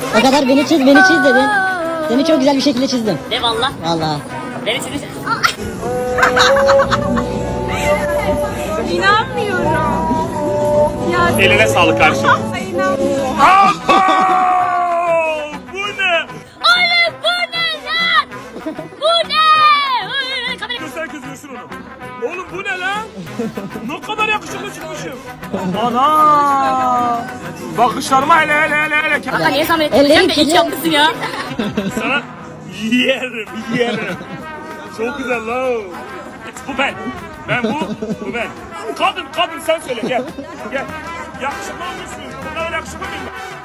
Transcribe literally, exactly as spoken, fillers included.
O kadar beni çiz, beni çiz dedin. Seni çok güzel bir şekilde çizdim. De valla. Vallahi. Beni çizmişsin. İnanmıyorum. Ya Eline sağlık kardeşim. Ay, inanmıyorum. Bu ne? Oğlum bu ne lan? Bu ne? Ay, kamera- Dur sen kızıyorsun onu. Oğlum bu ne lan? Ne kadar yakışıklı çıkmışım. Ana! Bakışlarıma hele hele hele hele. Kanka niye zahmet Ellerim ettin? Sen de hiç kirli. yapmışsın ya. Sana yerim yerim. Çok güzel lan. Bu ben. Ben bu, bu ben. Kadın kadın sen söyle gel. Gel. Yakışıklı olmuşsun. Bu kadar yakışıklı mıyım ben?